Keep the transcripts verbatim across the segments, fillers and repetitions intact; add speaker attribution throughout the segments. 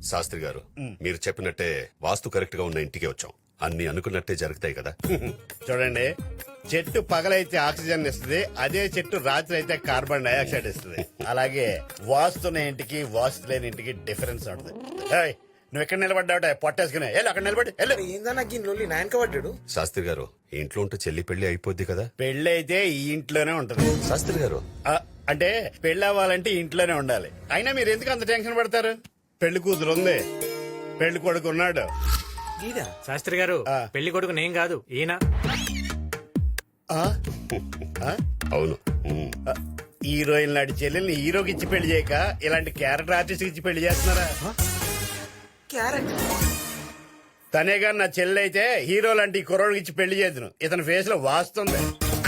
Speaker 1: శాస్త్రి గారు మీరు చెప్పినట్టే వాస్తు కరెక్ట్ గా ఉన్న ఇంటికి వచ్చాం. అన్ని అనుకున్నట్టే జరుగుతాయి కదా.
Speaker 2: చూడండి, చెట్టు పగలైతే ఆక్సిజన్ ఇస్తుంది, అదే చెట్టు రాత్రి అయితే కార్బన్ డైఆక్సైడ్ ఇస్తుంది. అలాగే వాస్తున్న ఇంటికి వాస్తు లేని ఇంటికి డిఫరెన్స్ ఉంటుంది. ఏయ్, నువ్వు ఎక్కడ నిలబడ్డావుట పొట్టేసుకునే వెళ్ళు, అక్కడ నిలబడి వెళ్ళు.
Speaker 3: ఏందన్నా గిన్నెలు నాయనక పడ్డాడు.
Speaker 1: శాస్త్రి గారు ఇంట్లో ఉంటే చెల్లి పెళ్లి అయిపోద్ది కదా.
Speaker 2: పెళ్లి అయితే ఈ ఇంట్లోనే ఉంటుంది.
Speaker 1: శాస్త్రి గారు
Speaker 2: ఆ, అంటే పెళ్లి అవ్వాలంటే ఇంట్లోనే ఉండాలి. అయినా మీరు ఎందుకు అంత టెన్షన్ పడతారు? పెళ్లి కూతురు ఉంది, పెళ్లి కొడుకు ఉన్నాడు.
Speaker 4: శాస్త్రి గారు
Speaker 2: ఆ.
Speaker 4: పెళ్లి కొడుకు నేను కాదు ఈయన.
Speaker 2: ఆ? ఆ?
Speaker 1: అవును. ఉమ్.
Speaker 2: హీరోయిన్ నాటి చెల్లెల్ని హీరోకి ఇచ్చి పెళ్లి చేయక ఇలాంటి క్యారెక్టర్ ఆర్టిస్ట్ ఇచ్చి పెళ్లి చేస్తున్నారా?
Speaker 3: క్యారెట్
Speaker 2: తనే గాని నా చెల్లె అయితే హీరో లాంటి కుర్రోడికి ఇచ్చి పెళ్లి చేద్దును. ఇతని ఫేస్ లో వాస్తుంది.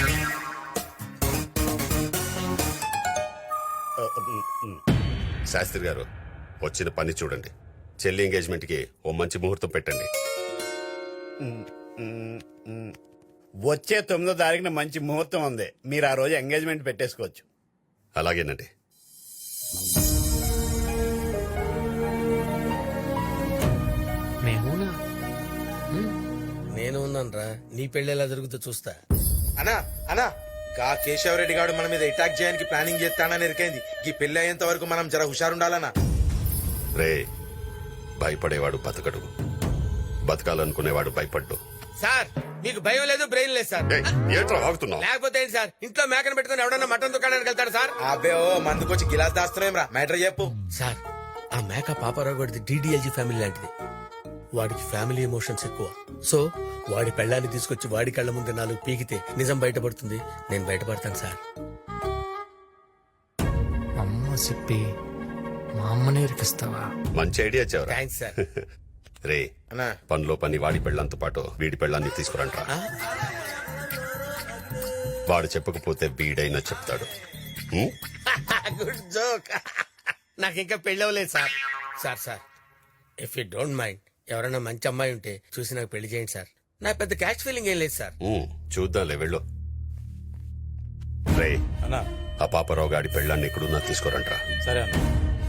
Speaker 1: శాస్త్రి గారు వచ్చిన పని చూడండి. చెల్లి ఎంగేజ్మెంట్ కి ఓ మంచి ముహూర్తం పెట్టండి.
Speaker 2: వచ్చే తొమ్మిదో తారీఖున మంచి ముహూర్తం ఉంది. మీరు ఆ రోజు ఎంగేజ్మెంట్ పెట్టేసుకోవచ్చు.
Speaker 1: అలాగేనండి.
Speaker 4: మేమునా
Speaker 3: నేను ఉన్నాను రా, నీ పెళ్లి ఎలా జరుగుతుందో చూస్తా. అనా అనా గా కేశవరెడ్డి గారు మన మీద అటాక్ చేయడానికి ప్లానింగ్ చేస్తానని ఎరికైంది. ఈ పెళ్లి అయ్యేంత వరకు మనం జర హుషారుండాలనా.
Speaker 1: రే, భయపడేవాడు బతకడు, బతకాలనుకునేవాడు భయపడ్డు.
Speaker 3: సార్ మీకు భయం లేదు, బ్రెయిన్ లేదు సార్.
Speaker 1: ఏయ్, ఏంట్రా వాగుతున్నావ్?
Speaker 3: లేకపోతే ఏంటి సార్, ఇంట్లో మేకను పెట్టుకుని ఎవడన్నా మటన్ దుకాణానికి వెళ్తాడు సార్? అబ్బే ఓ మందుకొచ్చి గిలాస్ దాస్తున్నాం రా. మ్యాటర్ చెప్పు సార్. ఆ మేక పాపారావు గడిది డిడిఎల్జీ ఫ్యామిలీ లాంటిది. వాడికి ఫ్యామిలీ ఎమోషన్స్ ఎక్కువ. సో వాడి పెళ్ళాన్ని తీసుకొచ్చి వాడి కళ్ళ ముందు నాలుగు పీకితే నిజం బయటపడుతుంది. నేను బయటపడతాను సార్.
Speaker 4: అమ్మ చెప్పి మా అమ్మని ఇరికిస్తావా?
Speaker 1: మంచి ఐడియా చెవరా.
Speaker 3: Thanks sir.
Speaker 1: రే,
Speaker 3: అన్నా
Speaker 1: పనిలో పని వాడి పెళ్ళంతో పాటు వీడి పెళ్ళాన్ని తీసుకురంట్రా. వాడు చెప్పకపోతే వీడైనా చెప్తాడు. ఉమ్?
Speaker 3: Good joke. నాకు ఇంకా పెళ్ళవలేదు sir. Sir sir if you don't mind ఎవరైనా మంచి అమ్మాయి ఉంటే చూసి నాకు పెళ్లి చేయండి సార్. నాకు పెద్ద క్యాష్ ఫీలింగ్ ఏం లేదు సార్.
Speaker 1: ఉమ్, చూద్దాంలే, వెళ్ళు. రే,
Speaker 5: అన్నా
Speaker 1: ఆ పాపరావు గాడి పెళ్ళాన్ని ఎక్కడున్నా తీసుకురంట్రా.
Speaker 5: సరే అన్న.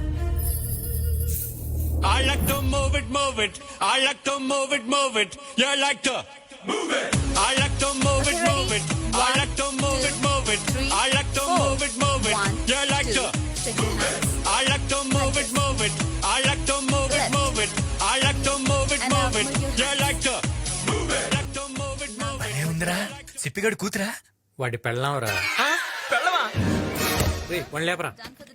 Speaker 6: I like to move it, move it. I like to move it, move it. You like to move it. I like to move it, move it. I like to move it, move it. I like to move it, move it. You like to move it. I like to move it, move it. I like to move it, move it. I like to move it, move it. You like to move it. Like to move it, move it.
Speaker 5: ఏముందిరా సిప్పిగడు కూతురా?
Speaker 4: వాడి పెళ్ళాంరా.
Speaker 5: పెళ్ళవా?
Speaker 4: రే one లేపరా.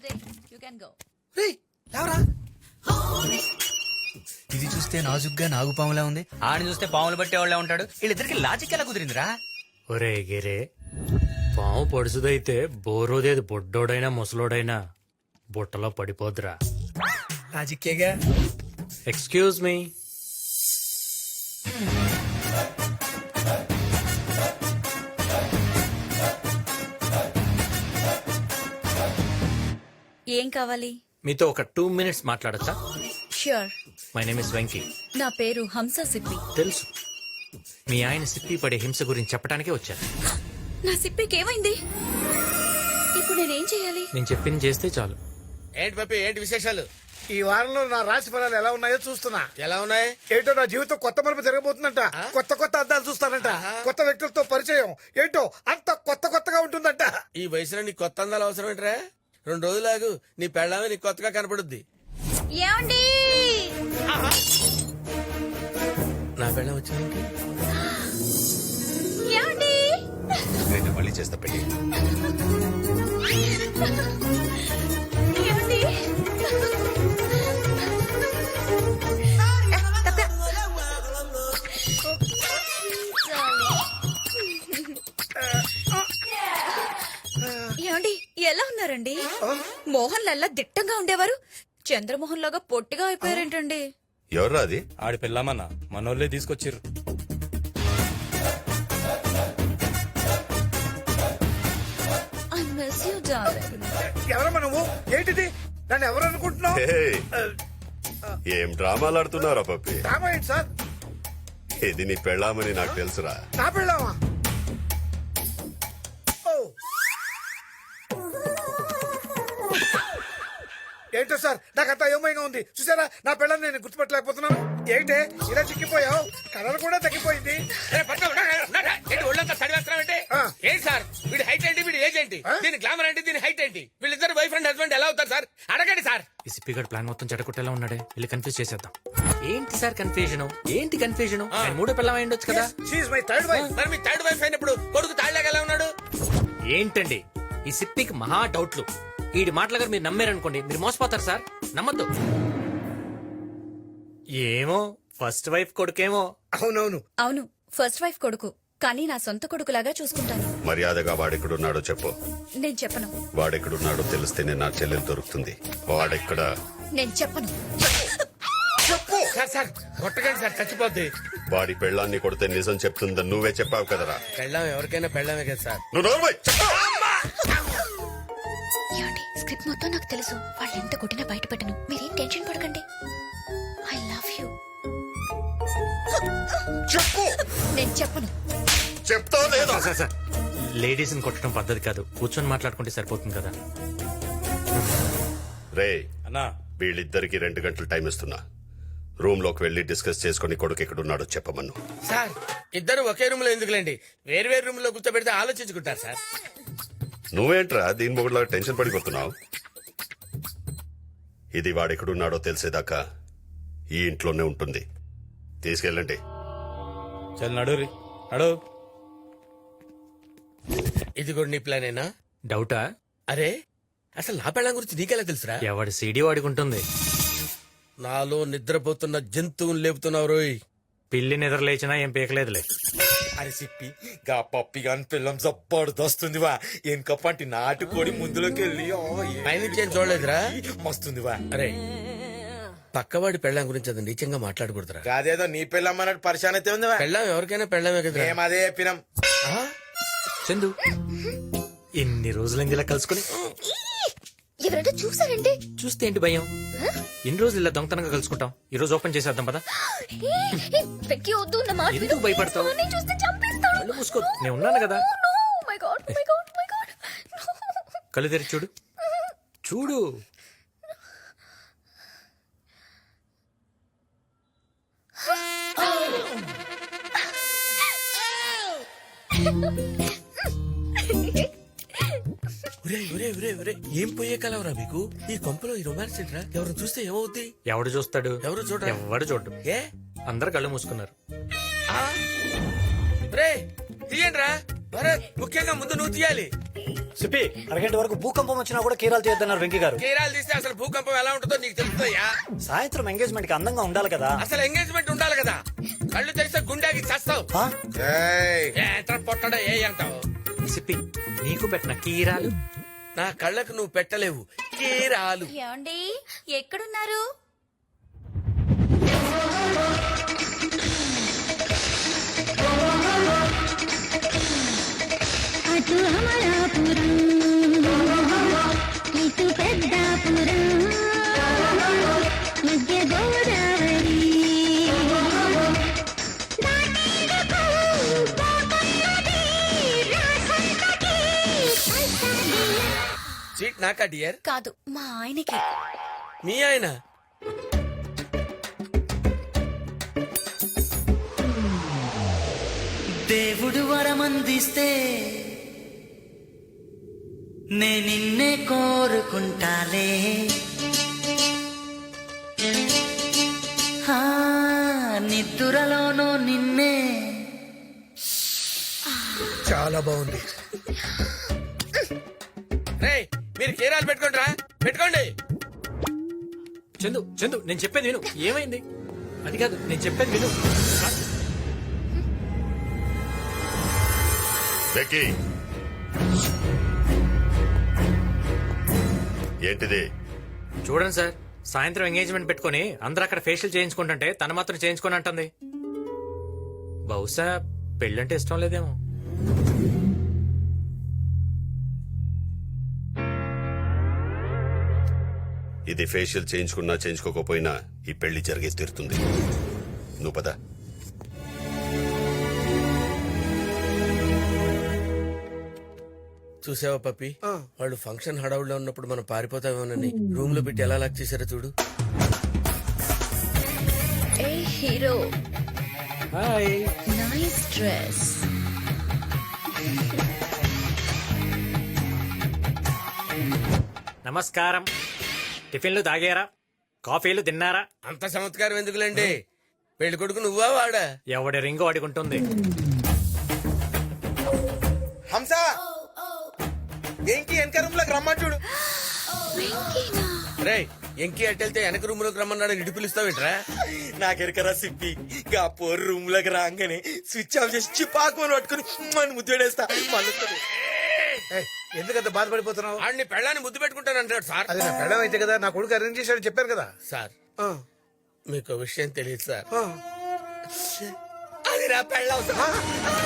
Speaker 5: ఇది చూస్తే నాజుగ్గా నాగుపాములా ఉంది, ఆడిని చూస్తే పాములు బట్టే వాళ్ళ ఉంటాడు. వీళ్ళిద్దరికి లాజిక్ ఎలా కుదిరిందిరా?
Speaker 4: ఒరే గిరే, పాము పొడుసుదైతే బోరోదేది బొడ్డోడైనా ముసలోడైనా బుట్టలో పడిపోద్రా.
Speaker 5: లాజిక్కేగా.
Speaker 4: Excuse me.
Speaker 7: ఏం కావాలి?
Speaker 4: మీతో ఒక టూ మినిట్స్ మాట్లాడచ్చా?
Speaker 7: Sure.
Speaker 4: My name is Venky.
Speaker 7: నా పేరు హంస సిప్పి.
Speaker 4: తెలుసు, మీ ఆయన సిప్పి పడే హింస గురించి చెప్పడానికే వచ్చాను.
Speaker 7: నా సిప్పికి ఏమైంది? ఇప్పుడు నేనేం చేయాలి?
Speaker 4: నేను చెప్పింది చేస్తే చాలు.
Speaker 3: ఏంటి పప్పి, ఏంటి విశేషాలు?
Speaker 8: ఈ వారంలో నా రాశి ఫలాలు ఎలా ఉన్నాయో చూస్తున్నా.
Speaker 3: ఎలా ఉన్నాయి?
Speaker 8: ఏంటో నా జీవితం కొత్త మలుపు జరగబోతుందంట. కొత్త కొత్త అద్దాలు చూస్తానంట. కొత్త వ్యక్తులతో పరిచయం. ఏంటో అంత కొత్త కొత్తగా ఉంటుందంట.
Speaker 3: ఈ వయసులో నీ కొత్త అందాలు అవసరం ఏంట్రా? రెండు రోజులాగు నీ పెళ్ళామే నీకు కొత్తగా కనపడుద్ది.
Speaker 7: ఏమండి?
Speaker 3: నా పెళ్ళం వచ్చింది.
Speaker 7: ఏమండి?
Speaker 1: నేను మళ్ళీ చేస్తా పెళ్లి.
Speaker 7: ఏమండి? ఏమండి ఎలా ఉన్నారండి? మోహన్ లల్లా దిట్టంగా ఉండేవారు, చంద్రమోహన్ లాగా పొట్టిగా అయిపోయారేంటండి?
Speaker 1: ఎవర్రా అది?
Speaker 5: ఆడి పెళ్ళామన్నా మనోళ్ళే తీసుకొచ్చిర్రు.
Speaker 7: I miss you darling.
Speaker 8: ఎవరమ్మా నువ్వు? ఏంటిది? నన్ను ఎవరు అనుకుంటున్నావు?
Speaker 1: ఏయ్, ఏం డ్రామాలు ఆడుతున్నారా పప్పి?
Speaker 8: డ్రామా ఏంటి సార్?
Speaker 1: ఇది నీ పెళ్ళామని నాకు తెలుసురా.
Speaker 8: నా పెళ్ళామా? ఏంటో సార్ నాకంతా అయోమయంగా ఉంది. చూసారా నా పిల్లల్ని నేను గుర్తుపట్టలేకపోతున్నాను. ఏంటే ఇలా చిక్కిపోయావు? కలర్ కూడా తగ్గిపోయింది.
Speaker 3: ఒళ్ళంతా చదివేస్తామంటే
Speaker 8: ఆ.
Speaker 3: ఏంటి సార్ వీడి హైట్ ఏంటి వీడి ఏజ్ ఏంటి దీని గ్లామర్ ఏంటి దీని హైట్ ఏంటి వీళ్ళిద్దరు వైఫ్ అండ్ హస్బెండ్ ఎలా అవుతారు సార్ అడగండి సార్.
Speaker 4: ఈ సిప్పిగడ్ ప్లాన్ మొత్తం చెడగొట్టేలా ఉన్నాడే, వెళ్ళి కన్ఫ్యూజ్ చేసేద్దాం. ఏంటి సార్ కన్ఫ్యూజన్? ఏంటి కన్ఫ్యూజన్? మూడో పిల్లం అయి ఉండొచ్చు కదా.
Speaker 8: She's my third wife.
Speaker 3: మరి మీ థర్డ్ వైఫ్ అయినప్పుడు కొడుకు తాళ్ళగా ఎలా ఉన్నాడు?
Speaker 4: ఏంటండి ఈ సిప్పికి మహా డౌట్లు. వీడి మాటల గారు మీరు నమ్మారనుకోండి, మీరు మోసపోతారు సార్. నమ్మద్దు. ఏమో ఫస్ట్ వైఫ్ కొడుకేమో.
Speaker 8: అవునవును.
Speaker 7: అవును, ఫస్ట్ వైఫ్ కొడుకు, కానీ నా సొంత కొడుకులాగా చూసుకుంటాను.
Speaker 1: మర్యాదగా వాడెక్కడున్నాడో చెప్పు.
Speaker 7: నేను చెప్పను.
Speaker 1: వాడెక్కడున్నాడో తెలిస్తేనే నా చెల్లెలు దొరుకుతుంది. వాడెక్కడ?
Speaker 7: నేను చెప్పను.
Speaker 3: సార్ సార్ కొట్టకండి సార్ చచ్చిపోద్ది.
Speaker 1: వాడి పెళ్ళాన్ని కొడితే నిజం చెప్తుందని నువ్వే చెప్పావు కదరా.
Speaker 3: పెళ్ళాం ఎవరికైనా పెళ్ళామే కదా సార్.
Speaker 1: నువ్వు నోర్మై చెప్పు.
Speaker 7: ఏమండి, స్క్రిప్ట్ మొత్తం నాకు తెలుసు. వాళ్ళు ఎంత కొట్టినా బయట పెట్టను. మీరేం టెన్షన్ పడకండి. I love you.
Speaker 1: చెప్పు.
Speaker 7: నేను చెప్పను.
Speaker 1: చెప్తావు లేదా?
Speaker 4: సార్ సార్ లేడీస్ ని కొట్టడం పద్ధతి కాదు, కూర్చొని మాట్లాడుకుంటే సరిపోతుంది కదా.
Speaker 1: రే
Speaker 2: అన్నా
Speaker 1: వీళ్ళిద్దరికి రెండు గంటలు టైం ఇస్తున్నా. రూమ్ లోకి వెళ్లి డిస్కస్ చేసుకుని కొడుకు ఎక్కడున్నాడో చెప్పమను.
Speaker 3: సార్ ఇద్దరు ఒకే రూమ్ లో ఎందుకులేండి, వేరు వేరు రూమ్ లో కూర్చోబెడితే ఆలోచించుకుంటారు సార్.
Speaker 1: నువ్వేంట్రా దీని మొగుడులా టెన్షన్ పడిపోతున్నావు? ఇది వాడెక్కడున్నాడో తెలిసేదాకా ఈ ఇంట్లోనే ఉంటుంది. తీసుకెళ్ళండి.
Speaker 2: చల్ నడు రీ నడు.
Speaker 3: ఇది కూడా నీ ప్లానేనా?
Speaker 4: డౌటా?
Speaker 3: అరే అసలు నా పెళ్ళం గురించి నీకెలా తెలుసురా?
Speaker 4: ఎవడి సీడీ వాడికి ఉంటుంది.
Speaker 3: నాలో నిద్రపోతున్న జంతువుని లేపుతున్నావు రోయ్.
Speaker 4: పిల్లి నిద్ర లేచినా ఏం పీకలేదులే.
Speaker 9: అని చెప్పి గా పప్పి గాని పిల్లం జబ్బర్దొస్తుందివా. వెనక పంటి నాటుకోడి ముందులోకి వెళ్ళి
Speaker 3: పైనుంచి ఏం చూడలేదురా?
Speaker 9: మస్తుందివా.
Speaker 3: అరే పక్కవాడి పెళ్ళం గురించి అది నీచంగా మాట్లాడకూడదురా.
Speaker 9: కాదేదో నీ పిల్లం అన్నట్టు పరిశాన్ అయితే ఉందివా.
Speaker 3: పెళ్ళం ఎవరికైనా పెళ్ళమే కదా.
Speaker 9: మేము అదే చెప్పినాం.
Speaker 4: చందు ఎన్ని రోజులైంది ఇలా కలుసుకుని.
Speaker 7: ఎవరైనా చూసారంటే
Speaker 4: చూస్తే ఏంటి భయం? ఎన్ని రోజులు ఇలా దొంగతనంగా కలుసుకుంటాం. ఈ రోజు ఓపెన్ చేసేద్దాం పదా.
Speaker 7: వెక్కి వద్దు నా మాట
Speaker 4: ఎందుకు భయపడతావు?
Speaker 7: నేను చూస్తే చంపేస్తాను.
Speaker 4: కళ్ళు మూసుకో, నేను ఉన్నాను కదా.
Speaker 7: Oh my God, oh my God, oh my God.
Speaker 4: కళ్ళు తెరి చూడు చూడు.
Speaker 3: ఒరే ఒరే ఒరే ఒరే ఏం పోయే కలవరా మీకు? ఈ కొంపలో ఈ రొమాన్స్ ఏంట్రా? ఎవరు చూస్తే ఏమవుద్ది?
Speaker 4: ఎవడు చూస్తాడు?
Speaker 3: ఎవరు చూడరా?
Speaker 4: ఎవడు చూడు.
Speaker 3: ఏ
Speaker 4: అందరు కళ్ళు మూసుకున్నారు.
Speaker 3: ఆ? రే తీయండిరా. భరత్ ముఖ్యంగా ముందు నువ్వు తీయాలి.
Speaker 10: చెప్పి అరగంట వరకు భూకంపం వచ్చినా కూడా కీరాలు చేయొద్దన్నారు వెంకీ గారు.
Speaker 3: కీరాలు తీస్తే అసలు భూకంపం ఎలా ఉంటుందో నీకు తెలుస్తుందయ్యా.
Speaker 10: సాయంత్రం ఎంగేజ్మెంట్ కి అందంగా ఉండాలి కదా.
Speaker 3: అసలు ఎంగేజ్మెంట్ ఉండాలి కదా. కళ్ళు తెరిస్తే గుండెకి చస్తావు.
Speaker 10: ఆ?
Speaker 3: ఏంట్రా పొట్టడా ఏ అంటావు?
Speaker 4: సిప్పి నీకు పెట్టిన కీరాలు
Speaker 3: నా కళ్ళకు నువ్వు పెట్టలేవు కీరాలు.
Speaker 7: ఏమండి ఎక్కడున్నారు?
Speaker 11: అటు అమలాపురం ఇటు పెద్దాపురం మధ్య గోదావరి
Speaker 3: సీట్ నాకా డియర్?
Speaker 7: కాదు, మా ఆయనకి.
Speaker 3: మీ ఆయన?
Speaker 5: దేవుడు వరమందిస్తే నే నిన్నే కోరుకుంటాలే. ఆ, నిద్దురలోనూ నిన్నే.
Speaker 3: చాలా బాగుంది. రే మీరు కీరాలు పెట్టుకోండి రా, పెట్టుకోండి.
Speaker 4: చందు చందు నేను చెప్పేది విను. ఏమైంది? అది కాదు నేను చెప్పేది విను.
Speaker 1: బెక్కీ, ఏంటిది?
Speaker 4: చూడండి సార్, సాయంత్రం ఎంగేజ్మెంట్ పెట్టుకుని అందరూ అక్కడ ఫేషియల్ చేయించుకుంటుంటే తను మాత్రం చేయించుకొని అంటుంది. బహుశా పెళ్ళంటే ఇష్టం లేదేమో.
Speaker 1: ఇది ఫేషియల్ చేయించుకున్నా చేయించుకోకపోయినా ఈ పెళ్లి జరిగే తీరుతుంది. నువ్వు పద.
Speaker 3: చూసావా పప్పి వాళ్ళు ఫంక్షన్ హడావుడిలో ఉన్నప్పుడు మనం పారిపోతామేమోనని రూమ్ లో పెట్టి ఎలా లాక్ చేశారో చూడు.
Speaker 7: ఏ హీరో
Speaker 4: హాయ్
Speaker 7: నైస్ డ్రెస్.
Speaker 4: నమస్కారం. టిఫిన్లు తాగారా? కాఫీలు తిన్నారా?
Speaker 3: అంత చమత్కారం ఎందుకులేండి? పెళ్లి కొడుకు నువ్వా వాడా?
Speaker 4: ఎవడి రింగు అడుగుంటుంది.
Speaker 9: హంస ఏంటి వెనక రూమ్ లోకి రమ్మని చూడు.
Speaker 3: రే ఎంకి అట్టెళ్తే వెనక రూమ్ లోకి రమ్మన్నాడు ఇటు పిలుస్తావేంట్రా?
Speaker 9: నాకెరకరా సిప్పి గా పోరు రూమ్ లోకి రాగానే స్విచ్ ఆఫ్ చేసి చిపాకుని పట్టుకుని మన ముద్దుడేస్తా మళ్ళీ
Speaker 8: ఏయ్, ఎందుకంత బాధపడిపోతున్నావు?
Speaker 3: ఆడిని పెళ్ళాన్ని ముద్దు పెట్టుకుంటానంటాడు సార్.
Speaker 8: అది నా పెళ్ళం అయితే కదా, నా కొడుకు అరేంజ్ చేశాడు చెప్పాను కదా.
Speaker 3: సార్
Speaker 8: ఆ,
Speaker 3: మీకు విషయం తెలియదు సార్.
Speaker 8: ఆ.
Speaker 3: అది నా పెళ్ళం సార్.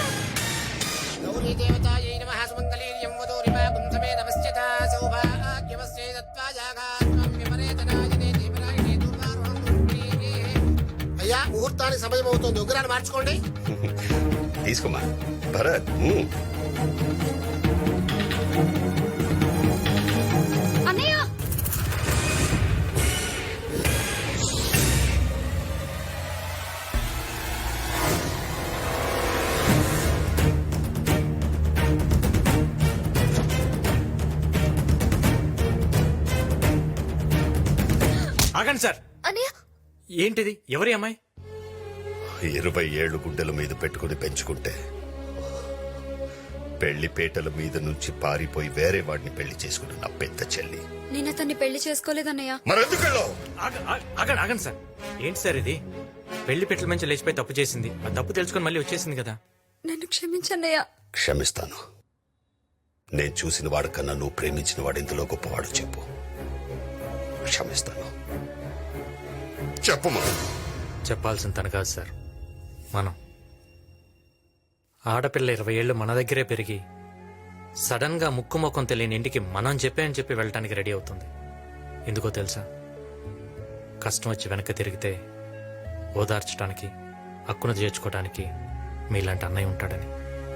Speaker 10: అయ్యా ముహూర్తానికి సమయం అవుతుంది, ఉగ్రాన్ని మార్చుకోండి.
Speaker 1: తీసుకోమా భరత్. మ్మ్.
Speaker 7: అన్నయ్య
Speaker 4: ఆగండి సార్.
Speaker 7: అన్నయ్య
Speaker 4: ఏంటిది? ఎవరి అమ్మాయి?
Speaker 1: ఇరవై ఏళ్ళు గుడ్డల మీద పెట్టుకుని పెంచుకుంటే పెళ్లి పేటల మీద నుంచి పారిపోయి వేరే వాడిని పెళ్లి చేసుకున్న నా పెద్ద చెల్లి.
Speaker 7: నేను అతన్ని పెళ్లి చేసుకోలేదన్నయ్య.
Speaker 1: మరెందుకెళ్ళో
Speaker 4: ఆగ- ఆగ- ఆగండి ఆగండి సార్. ఏంటి సార్ ఇది? పెళ్లి పెట్టల మంచి లేచిపోయి తప్పు చేసింది. ఆ తప్పు తెలుసుకొని మళ్ళీ వచ్చేసింది కదా.
Speaker 7: నన్ను క్షమించన్నయ్య.
Speaker 1: క్షమిస్తాను. నేను చూసిన వాడికన్నా నువ్వు ప్రేమించిన వాడు ఇందులో గొప్పవాడు చెప్పు. క్షమిస్తాను. చెప్పు మనం.
Speaker 4: చెప్పాల్సిన తన కాదు సార్, మనం. ఆడపిల్ల ఇరవై ఏళ్ళు మన దగ్గరే పెరిగి సడన్ గా ముక్కు ముఖం తెలియని ఇంటికి మనం చెప్పే అని చెప్పి వెళ్ళటానికి రెడీ అవుతుంది. ఎందుకో తెలుసా? కష్టం వచ్చి వెనక్కి తిరిగితే ఓదార్చడానికి, హక్కును చేర్చుకోవడానికి మీలాంటి అన్నయ్య ఉంటాడని.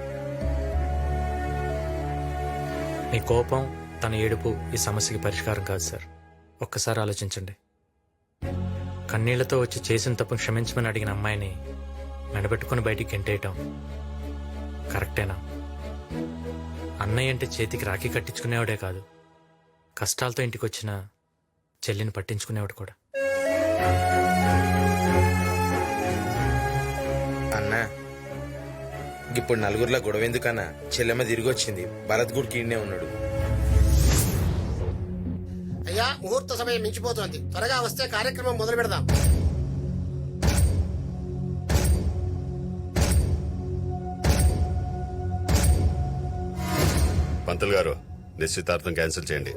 Speaker 4: మీ కోపం, తన ఏడుపు ఈ సమస్యకి పరిష్కారం కాదు సార్. ఒక్కసారి ఆలోచించండి. కన్నీళ్లతో వచ్చి చేసిన తప్పును క్షమించమని అడిగిన అమ్మాయిని మెడబెట్టుకుని బయటికి గెంటేయటం కరెక్టేనా? అన్నయ్య అంటే చేతికి రాఖీ కట్టించుకునేవాడే కాదు, కష్టాలతో ఇంటికి వచ్చిన చెల్లిని పట్టించుకునేవాడు కూడా.
Speaker 9: అన్నా ఇప్పుడు నలుగురిలో గొడవ ఎందుకన్నా? చెల్లెమ్మ తిరిగి వచ్చింది, భరత్ గుడికి ఈడనే ఉన్నాడు.
Speaker 10: అయ్యా ముహూర్త సమయం మించిపోతోంది, త్వరగా వస్తే కార్యక్రమం మొదలు పెడదాం.
Speaker 1: పంతులు గారు, నిశ్చితార్థం క్యాన్సిల్ చేయండి.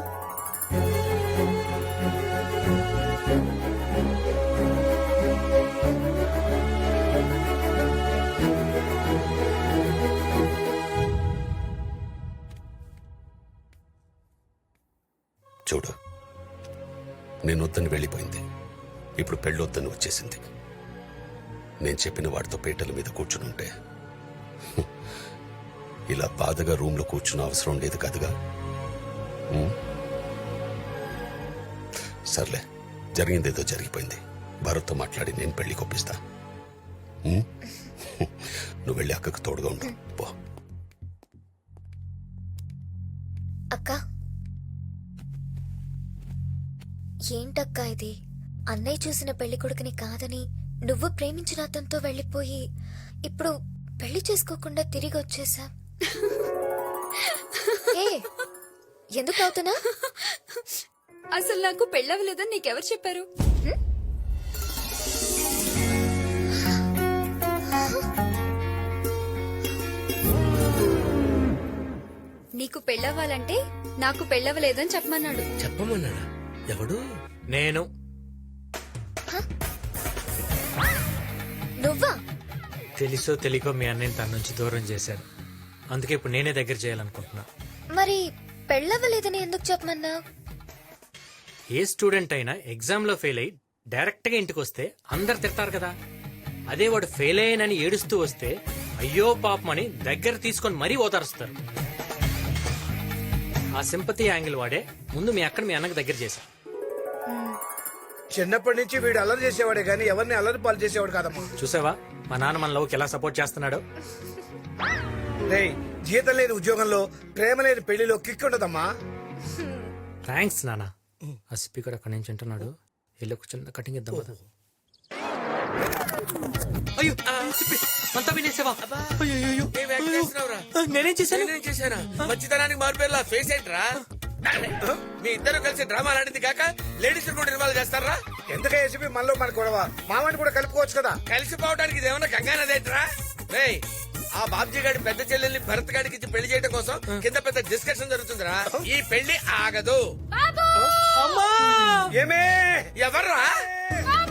Speaker 1: చూడు, నేను వద్దని వెళ్ళిపోయింది, ఇప్పుడు పెళ్ళొద్దని వచ్చేసింది. నేను చెప్పిన వాడితో పీటల మీద కూర్చునుంటే ఇలా బాధగా రూమ్ లో కూర్చున్న అవసరం లేదు కదగా. ఉం? సర్లే, జరిగిందేదో జరిగిపోయింది. భరత్తో మాట్లాడి నేను పెళ్లి కొప్పిస్తా. ఉం? నువ్వు వెళ్ళి అక్కకు తోడుగా ఉండు పో.
Speaker 11: అక్క ఏంటక్కా ఇది? అన్నయ్య చూసిన పెళ్లి కొడుకుని కాదని నువ్వు ప్రేమించిన అతనితో వెళ్ళిపోయి ఇప్పుడు పెళ్లి చేసుకోకుండా తిరిగి వచ్చేసా. ఏ ఎందుకు అవుతున్నా?
Speaker 7: అసలు నాకు పెళ్ళవలేదని నీకెవరు చెప్పారు? నీకు పెళ్ళవ్వాలంటే నాకు పెళ్ళవలేదని చెప్పమన్నాడు.
Speaker 3: చెప్పమన్నాడా? ఎవడు?
Speaker 4: నేను.
Speaker 11: నువ్వా?
Speaker 4: తెలుసో తెలియకో మీ అన్నయ్యని తన నుంచి దూరం చేశాను. అందుకే ఇప్పుడు నేనే దగ్గర చేయాలనుకుంటున్నా.
Speaker 11: మరి పెళ్ళవ్వలేదని ఎందుకు చెప్పమన్నా?
Speaker 4: ఏ స్టూడెంట్ అయినా ఎగ్జామ్ లో ఫెయిల్ అయ్యి డైరెక్ట్ గా ఇంటికి వస్తే అందరు తిడతారు కదా. అదే వాడు ఫెయిల్ అయ్యానని ఏడుస్తూ వస్తే అయ్యో పాపమని దగ్గర తీసుకొని మరీ ఓదారుస్తారు. ఆ సింపతి యాంగిల్ వాడే ముందు మీ అక్కడ మీ అన్నకు దగ్గర చేశా.
Speaker 8: చిన్నప్పటి నుంచి వీడు అల్లరి చేసేవాడే గానీ ఎవరిని అల్లరి పాలు చేసేవాడు కాదమ్మా.
Speaker 4: చూసావా మా నాన్న మన లవ్కి ఎలా సపోర్ట్ చేస్తున్నాడు.
Speaker 8: రేయ్, జీతం లేని ఉద్యోగంలో ప్రేమ లేని పెళ్లిలో కిక్ ఉండదమ్మా.
Speaker 4: థ్యాంక్స్ నాన్న. ఆ సిప్పి కూడా అక్కడి నుంచి ఉంటున్నాడు. వెళ్ళి ఒక చిన్న కటింగ్ ఇద్దాం కదా. అయ్యో సిప్పి, అంతా వినేసావా? అయ్యో,
Speaker 3: ఏం యాక్ట్ చేస్తున్నావురా?
Speaker 4: నేనేం చేశాను?
Speaker 3: నేనేం చేశానా? మంచితనానికి మారిపోయేలా ఫేస్ ఏంట్రా? మీ ఇద్దరు కలిసి డ్రామా ఆడింది కాక లేడీస్ కూడా ఇన్వాల్వ్ చేస్తారా?
Speaker 8: ఎందుకే ఏసీపీ మనలో మన గొడవ? మామని కూడా కలుపుకోవచ్చు కదా.
Speaker 3: కలిసిపోవడానికి ఇదేమన్నా గంగానదేంట్రా? రేయ్, ఆ బాబ్జీ గారి పెద్ద చెల్లెల్ని భరత్ గారికి ఇచ్చి పెళ్లి చేయడం కోసం కింద పెద్ద డిస్కషన్ జరుగుతుందిరా. ఈ పెళ్లి ఆగదు.
Speaker 8: ఏమే
Speaker 3: ఎవర్రా?